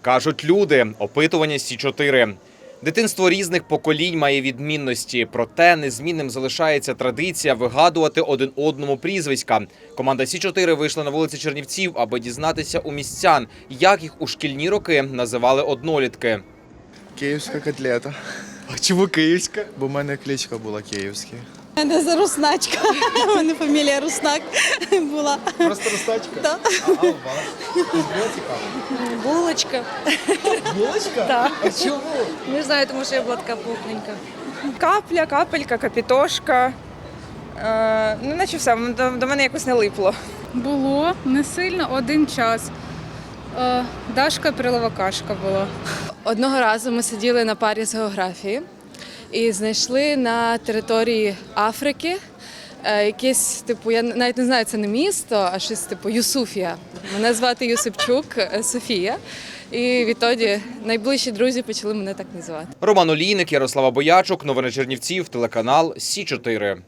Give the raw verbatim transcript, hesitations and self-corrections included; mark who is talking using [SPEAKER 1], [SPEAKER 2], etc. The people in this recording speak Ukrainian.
[SPEAKER 1] Кажуть люди, опитування Сі чотири. Дитинство різних поколінь має відмінності, проте незмінним залишається традиція вигадувати один одному прізвиська. Команда Сі чотири вийшла на вулиці Чернівців, аби дізнатися у містян, як їх у шкільні роки називали однолітки.
[SPEAKER 2] Київська котлета.
[SPEAKER 1] А чому київська?
[SPEAKER 2] Бо в мене кличка була Київська.
[SPEAKER 3] У мене за Русначка. У мене фамілія Руснак була.
[SPEAKER 1] Просто Ростачка?
[SPEAKER 3] Да.
[SPEAKER 1] А у вас? Було цікаво?
[SPEAKER 3] Булочка.
[SPEAKER 1] Булочка?
[SPEAKER 3] Так.
[SPEAKER 1] А чому?
[SPEAKER 3] Не знаю, тому що я була така пухненька.
[SPEAKER 4] Капля, капелька, капітошка. Е, ну, наче все, до, до мене якось не липло.
[SPEAKER 5] Було не сильно, один час. Е, Дашка Приловакашка була.
[SPEAKER 6] Одного разу ми сиділи на парі з географії і знайшли на території Африки е, якесь, типу, я навіть не знаю, це не місто, а щось типу Юсуфія. Мене звати Юсипчук е, Софія. І відтоді найближчі друзі почали мене так називати.
[SPEAKER 1] Роман Олійник, Ярослава Боячук, новини Чернівців, телеканал Сі чотири.